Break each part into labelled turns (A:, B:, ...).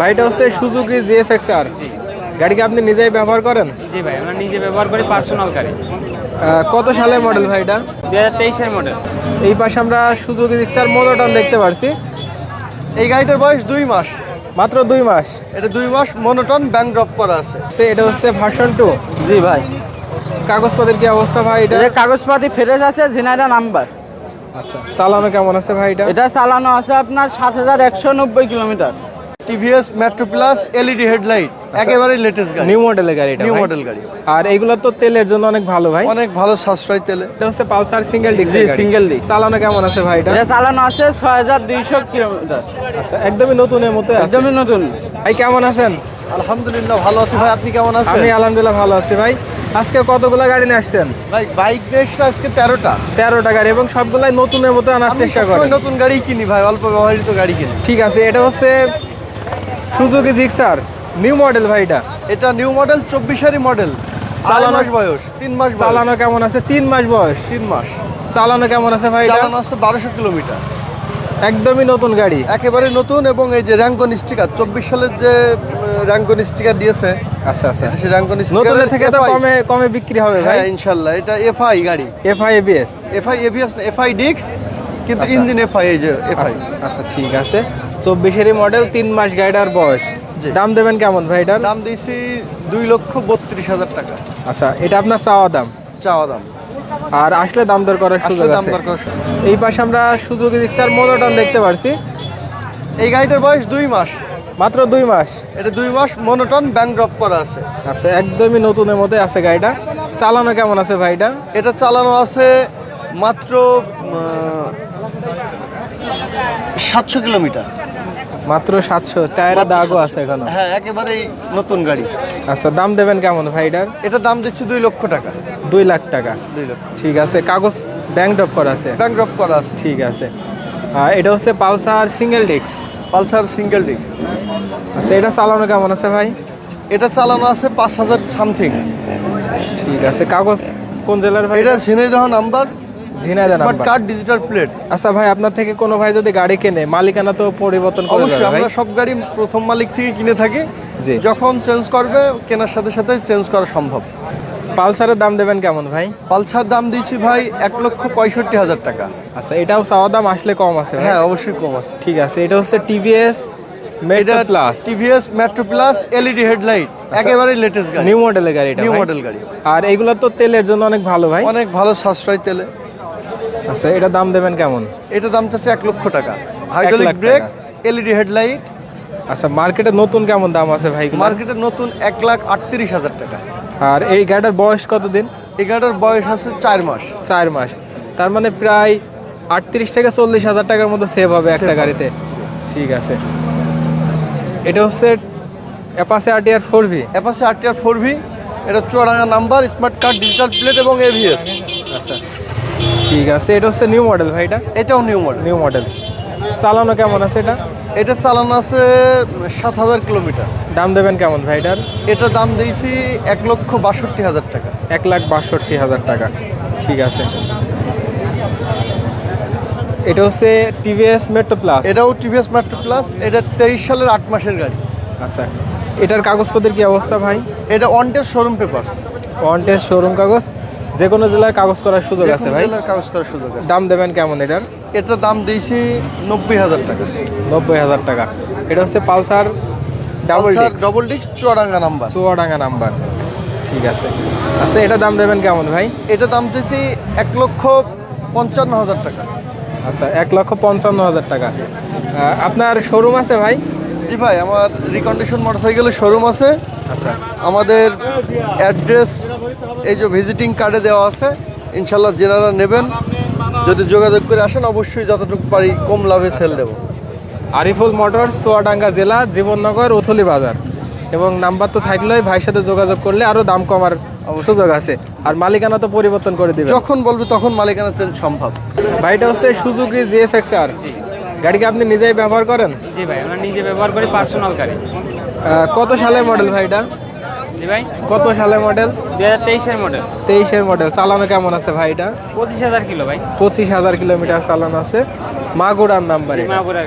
A: ভাইটা হচ্ছে Suzuki GSX-R.
B: জি
A: গাড়ি কি আপনি নিজেই ব্যবহার করেন?
B: জি ভাই, আমরা নিজে ব্যবহার করি, পার্সোনাল গাড়ি।
A: কত সালের মডেল ভাইটা?
B: 2023-এর মডেল।
A: এই পাশে আমরা সুজুকি জিক্সার মোনোটন দেখতে পারছি।
C: এই গাড়িটার বয়স 2 মাস।
A: মাত্র 2 মাস।
C: এটা 2 মাস মনোটন ব্যাংক ড্রপ করা আছে।
A: এটা হচ্ছে ভার্সন 2।
C: জি ভাই,
A: কাগজপত্রের কি অবস্থা ভাই এটা?
C: এটা কাগজপাতি ফ্রেশ আছে, জেনারেল নাম্বার।
A: আচ্ছা, চালানো কেমন আছে ভাই এটা?
C: এটা চালানো আছে আপনার 7190 kilometre. TVS metro plus LED headlight, একেবারে লেটেস্ট গাড়ি,
A: নিউ মডেলের গাড়ি এটা।
C: নিউ
A: ভাই?
C: মডেল গাড়ি।
A: আর এগুলো তো তেলের জন্য অনেক ভালো ভাই।
C: অনেক ভালো সাশ্রয় তেলে।
A: এটা হচ্ছে পালসার সিঙ্গেল ডিস্ক
C: জি,
A: গাড়ি।
C: Single disc.
A: চালানো কেমন আছে ভাই এটা?
C: এটা চালানো আছে 6200 কিলোমিটার।
A: আচ্ছা, একদমই নতুনের মতো আছে।
C: একদমই নতুন।
A: ভাই কেমন আছেন?
C: আলহামদুলিল্লাহ ভালো আছি ভাই, আপনি কেমন আছেন?
A: আমি আলহামদুলিল্লাহ ভালো আছি ভাই। আজকে কতগুলো গাড়ি নিয়ে আসছেন?
C: ভাই বাইক বেশটা আজকে 13টা।
A: 13টা গাড়ি, এবং সবগুলাই নতুনের মতো আনার
C: আমি
A: চেষ্টা
C: সবসময়
A: করেন।
C: নতুন গাড়ি কিনি ভাই, অল্প ব্যবহৃত গাড়ি কিনি।
A: ঠিক আছে, এটা হচ্ছে সুজুকি জিক্সার নিউ মডেল ভাই এটা।
C: এটা নিউ মডেল, 24-এরই মডেল।
A: চালানো-
C: 4 মাস বয়স, 3 মাস বয়স।
A: চালানো কেমন আছে? 3 মাস বয়স।
C: 3 মাস।
A: চালানো কেমন আছে ভাই এটা?
C: চালানো আছে 1200 কিলোমিটার।
A: একদমই নতুন গাড়ি।
C: একেবারে নতুন, এবং এই যে র্যাঙ্কন স্টিকার 24 সালের যে র্যাঙ্কন স্টিকার দিয়েছে,
A: আচ্ছা আচ্ছা,
C: সেই র্যাঙ্কন
A: নতুনের থেকে তো
C: স্টিকার
A: কমে কমে বিক্রি হবে ভাই।
C: হ্যাঁ ইনশাআল্লাহ। এটা এফআই গাড়ি,
A: এফআই এবিএস।
C: এফআই এবিএস না, এফআই ডিক্স, কিন্তু
A: আচ্ছা।
C: ইঞ্জিন এফআই, এই যে এফআই।
A: আচ্ছা ঠিক আছে, 24-এরই মডেল, 3 মাস গাড়িটার বয়স।
C: জি।
A: দাম দেবেন কেমন ভাই এটার?
C: দাম দিয়েছি 2,32,000 টাকা
A: আচ্ছা, এটা আপনার চাওয়া দাম,
C: চাওয়া দাম।
A: আর আসলে দাম দর করার সুযোগ
C: আসলে দাম
A: আছে।
C: দরকার।
A: এই পাশে আমরা সুজুকি জিক্সার মোনোটন দেখতে পারছি।
C: এই গাড়িটার বয়স 2 মাস।
A: মাত্র 2 মাস।
C: এটা 2 মাস মনোটন ব্যাংক ড্রপ করা আছে।
A: আচ্ছা, একদমই নতুনের মধ্যে আছে গাড়িটা। চালানো কেমন আছে ভাইটা?
C: এটা চালানো আছে মাত্র 700 কিলোমিটার।
A: মাত্র 700। টায়ারের দাগও আছে এখনো।
C: হ্যাঁ, একেবারেই নতুন গাড়ি।
A: আচ্ছা, দাম দেবেন কেমন ভাইটার?
C: এটা দাম দিচ্ছি 2 লক্ষ টাকা।
A: 2 লাখ টাকা।
C: 2 লক্ষ
A: ঠিক আছে, কাগজ ব্যাংক ড্রপ করা আছে।
C: ব্যাংক ড্রপ করা আছে।
A: ঠিক আছে। এটা হচ্ছে Pulsar single disc.
C: Pulsar single disc.
A: আচ্ছা, এটা চালানো কেমন আছে ভাই?
C: এটা চালানো আছে 5000 সামথিং।
A: ঠিক আছে, কাগজ কোন জেলার ভাই?
C: এটা Jhenaidah number,
A: Jhenaidah
C: smart
A: number.
C: Card, digital plate.
A: আচ্ছা ভাই, আপনার থেকে কোনো ভাই যদি গাড়ি কেনে, মালিকানা তো পরিবর্তন করে
C: অবশ্যই
A: দেবে ভাই?
C: আমরা সব গাড়ি প্রথম মালিক থেকে কিনে থাকি।
A: জি।
C: যখন চেঞ্জ করবে, কেনার সাথে সাথে চেঞ্জ করা সম্ভব।
A: পালসারের দাম দেবেন কেমন ভাই?
C: পালসার দাম দিচ্ছি ভাই 1,65,000 টাকা।
A: আচ্ছা, এটাও চাওয়া দাম, আসলে কম আছে ভাই?
C: হ্যাঁ অবশ্যই কম আছে।
A: ঠিক আছে, এটা হচ্ছে TVS metro Plus
C: TVS metro plus LED headlight, একেবারে লেটেস্ট গাড়ি,
A: নিউ মডেলের গাড়ি এটা
C: নিউ
A: ভাই?
C: মডেল গাড়ি।
A: আর এগুলো তো তেলের জন্য অনেক ভালো ভাই।
C: অনেক ভালো সাশ্রয় তেলে।
A: আচ্ছা, এটা দাম দেবেন কেমন?
C: এটা দাম চাচ্ছে 1 লক্ষ টাকা। হাইড্রোলিক
A: লাখ
C: ব্রেক,
A: টাকা।
C: LED headlight.
A: আচ্ছা, মার্কেটে নতুন কেমন দাম আছে ভাই?
C: মার্কেটে নতুন 1,38,000 টাকা।
A: আর এই গাড়িটার বয়স কতদিন?
C: এই গাড়িটার বয়স আছে 4 মাস।
A: 4 মাস। তার মানে প্রায় 38 থেকে 40,000 টাকার মতো সেভ হবে একটা
C: Save হবে।
A: গাড়িতে। ঠিক আছে, এটা হচ্ছে Apache RTR 4V।
C: Apache RTR 4V। এটা Chuadanga number, smart card, digital plate এবং এভিএস।
A: আচ্ছা ঠিক আছে, এটা হচ্ছে নিউ মডেল ভাই এটা?
C: এটাও নিউ মডেল।
A: New model. চালানো কেমন আছে এটা?
C: এটা চালানো আছে 7000 কিলোমিটার।
A: দাম দেবেন কেমন ভাই এটার?
C: এটা দাম দিয়েছি 1,62,000 টাকা।
A: 1,62,000 টাকা। ঠিক আছে, এটা হচ্ছে টিভিএস মেট্রো প্লাস।
C: এটাও টিভিএস মেট্রো প্লাস। এটা 23 সালের 8 মাসের গাড়ি।
A: আচ্ছা, এটার কাগজপত্রের কি অবস্থা ভাই?
C: এটা on test showroom paper.
A: One test showroom কাগজ, যে কোনো জেলায় কাগজ করার সুযোগ আছে ভাই?
C: কাগজ করার সুযোগ আছে।
A: দাম দেবেন কেমন এটার?
C: এটা দাম দিয়েছি 90,000 টাকা।
A: 90,000 টাকা। এটা হচ্ছে Pulsar double disc,
C: double disc, Chuadanga number.
A: Chuadanga number. ঠিক আছে। আচ্ছা, এটা দাম দেবেন কেমন ভাই?
C: এটা দাম দিয়েছি 1,55,000 টাকা।
A: আচ্ছা, 1,55,000 টাকা। আপনার শোরুম আছে ভাই?
C: জি ভাই, আমার রিকন্ডিশন মোটরসাইকেলের শোরুম আছে।
A: আচ্ছা,
C: আমাদের অ্যাড্রেস এই যে ভিজিটিং কার্ডে দেওয়া আছে। ইনশাল্লাহ যারা নেবেন, যদি যোগাযোগ করে আসেন, অবশ্যই যতটুকু পারি কম লাভে সেল দেবো।
A: আরিফুল মোটরস, চুয়াডাঙ্গা জেলা, জীবননগর, উথলি বাজার। এবং নাম্বার তো থাকলেই ভাইয়ের সাথে যোগাযোগ করলে আরো দাম কমার সুযোগ আছে। আর মালিকানা তো পরিবর্তন করে দিবে,
C: যখন বলবে তখন মালিকানা চেঞ্জ সম্ভব।
A: ভাইটা হচ্ছে সুজুকি জিএসএক্সআর। গাড়ি কি আপনি নিজেই ব্যবহার করেন?
B: জি ভাই, আমরা নিজে ব্যবহার করি, পার্সোনাল গাড়ি।
A: কত সালের মডেল ভাইটা?
B: জি ভাই,
A: কত সালের মডেল?
B: 2023-এর মডেল।
A: 23-এর মডেল। চালানো কেমন আছে ভাইটা?
B: 25,000 কিলো ভাই।
A: 25,000 কিলোমিটার চালানো আছে। মাগুরার নাম্বারে।
B: মাগুরার গাড়ি।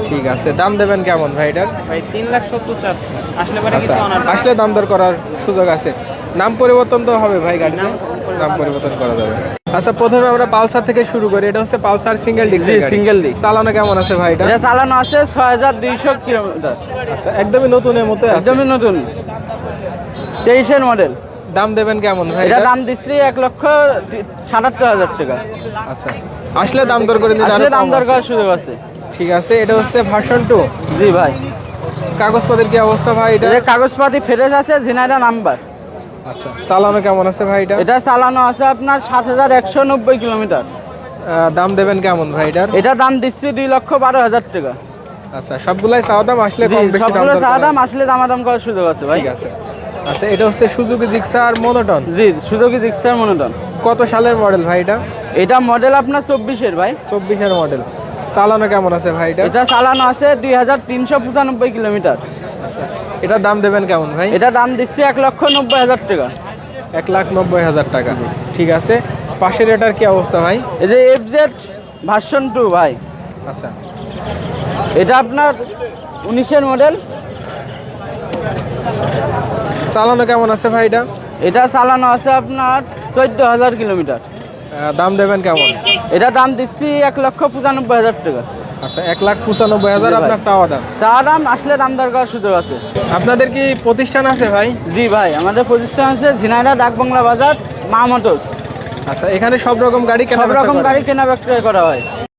A: ঠিক আছে, দাম দেবেন কেমন ভাই এটার?
B: ভাই 3,70,000 চাচ্ছি, আসলে পরে
A: আচ্ছা,
B: কিছু অনার
A: আসলে দাম দর করার সুযোগ আছে। নাম পরিবর্তন তো হবে ভাই গাড়িতে? নাম পরিবর্তন করা যাবে। আচ্ছা, প্রথমে আমরা পালসার থেকে শুরু করি। এটা হচ্ছে Pulsar single disc.
B: Single disc
A: চালানো কেমন আছে ভাই এটা?
B: এটা চালানো আছে 6,200 কিলোমিটার,
A: আচ্ছা, একদমই নতুনের মতো আছে।
B: একদমই নতুন, 23-এর মডেল।
A: দাম দেবেন কেমন ভাই
B: এটা
A: এটা?
B: দাম দিচ্ছি 1,77,000 টাকা।
A: আচ্ছা, আসলে দাম দর করে দিলে
B: আসলে
A: আরো
B: দাম
A: কম
B: দর
A: আছে।
B: করার সুযোগ আছে।
A: ঠিক আছে, এটা হচ্ছে ভার্সন 2।
B: জি ভাই,
A: কাগজপত্রের কি অবস্থা ভাই এটা?
B: এটা কাগজপাতি ফ্রেশ আছে, ঝিনাইদহ নাম্বার।
A: আচ্ছা, চালানো কেমন আছে ভাই এটা?
B: এটা চালানো আছে আপনার 7,190 কিলোমিটার।
A: দাম দেবেন কেমন ভাই এটার?
B: এটা দাম দিচ্ছি 2,12,000 টাকা।
A: আচ্ছা, সবগুলাই চাওয়া দাম, আসলে
B: জি,
A: কম বেশি দাম
B: সবগুলো
A: দর
B: চা
A: করা-
B: দাম, আসলে দামাদাম করার সুযোগ আছে ভাই।
A: ঠিক আছে। আচ্ছা, এটা হচ্ছে সুজুকি জিক্সার মনোটন।
B: জি, সুজুকি জিক্সার মনোটন।
A: কত সালের মডেল ভাই এটা?
B: এটা মডেল আপনার 24-এর ভাই।
A: 24-এর মডেল। চালানো কেমন আছে ভাই এটা?
B: এটা চালানো আছে 2,395 কিলোমিটার।
A: আচ্ছা, এটার দাম দেবেন কেমন ভাই?
B: এটা দাম দিচ্ছি 1,90,000 টাকা।
A: 1,90,000 টাকা। ঠিক আছে, পাশের এটার কি অবস্থা ভাই?
B: এই যে FZ ভার্সন 2 ভাই,
A: আচ্ছা,
B: এটা আপনার 19-এর মডেল।
A: চালানো কেমন আছে ভাই এটা?
B: এটা চালানো আছে আপনার 14,000 কিলোমিটার।
A: দাম দেবেন কেমন?
B: এটা দাম দিচ্ছি 1,95,000 টাকা।
A: আচ্ছা, 1,95,000
B: জি ভাই।
A: আপনার চাওয়া দাম।
B: চা দাম, আসলে দাম দর করার সুযোগ আছে।
A: আপনাদের কি প্রতিষ্ঠান আছে ভাই?
B: জি ভাই, আমাদের প্রতিষ্ঠান আছে ঝিনাইদহ ডাকবাংলা বাজার, মা মোটরস।
A: আচ্ছা, এখানে সব রকম গাড়ি কেনা
B: সব
A: বেচা
B: রকম
A: করেন?
B: গাড়ি কেনা বিক্রয় করা হয়।